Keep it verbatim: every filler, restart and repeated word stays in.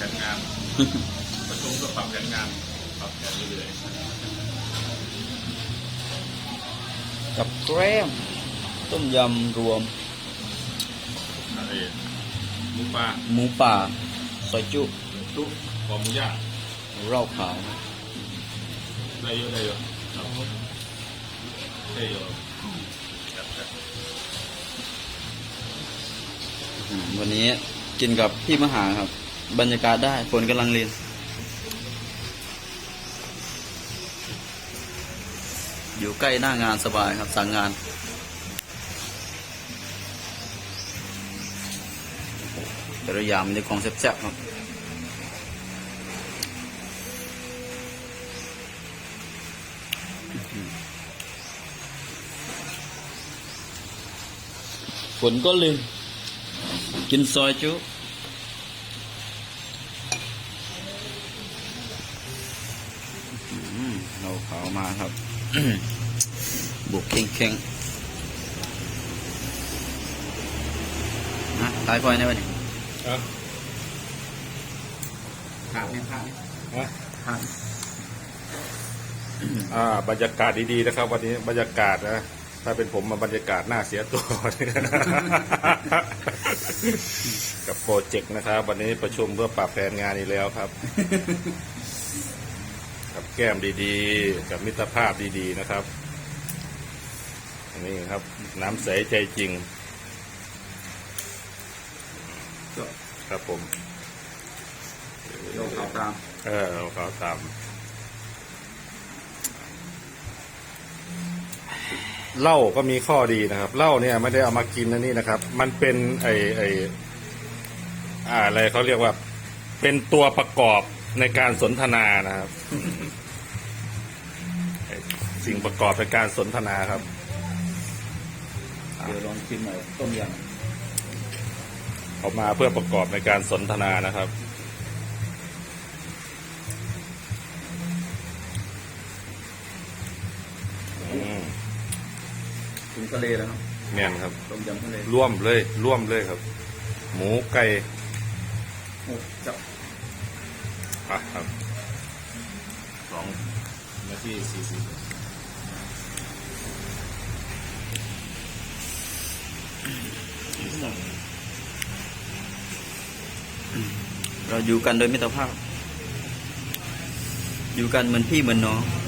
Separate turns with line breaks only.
นงานประชุมก็ปรับแผนงานปรับแผนเรื่อย
ๆกับแกล้มต้มยำรวม
อะไรหมูปลา
หมูป่าซอยจุ
ตุ๊กคอหมูย่าง
เหล้าขาว
ได้เยอะได้เยอะได้เยอะ
วันนี้กินกับพี่มหาครับบรรยากาศได้ฝนกำลังเรียนอยู่ใกล้หน้างานสบายครับสั่งงานแต่ละอย่างมีของแซ่บๆครับฝนก็ลืมกินซอยจุเราขาวมาครับ บุกเข่งเข่งนะตายพอยในวันนี้
ครับ
ผ่านเนี่ยผ่านเนี่ยผ่าน
อ่าบรรยากาศดีๆนะครับวันนี้บรรยากาศนะถ้าเป็นผมมาบรรยากาศน่าเสียตัว กับโปรเจกต์นะครับวันนี้ประชุมเพื่อปรับแผนงานอีกแล้วครับ กับแก้มดีๆกับมิตรภาพดีๆนะครับนี่ครับน้ำใสใจจริงครับผม
เราขาวตาม
เออเราขาวตามเหล้าก็มีข้อดีนะครับเหล้าเนี่ยไม่ได้เอามากินนะนี่นะครับมันเป็นไอไออะไรเขาเรียกว่าเป็นตัวประกอบในการสนทนานะครับ สิ่งประกอบในการสนทนาครับ
เดี๋ยวลองชิมหน่อยต้มยำ
เอามาเพื่อประกอบในการสนทนานะครับ
ถึงทะเลแล้วครับ
แม่นครับ
ต้มยำทะเล
ร่วมเลยร่วมเลยครับหมูไก่
โอ้จับ
อ่ะครับสองนาทีสี่สิบ
เราอยู่กันโดยมิตรภาพอยู่กันเหมือนพี่เหมือนน้อง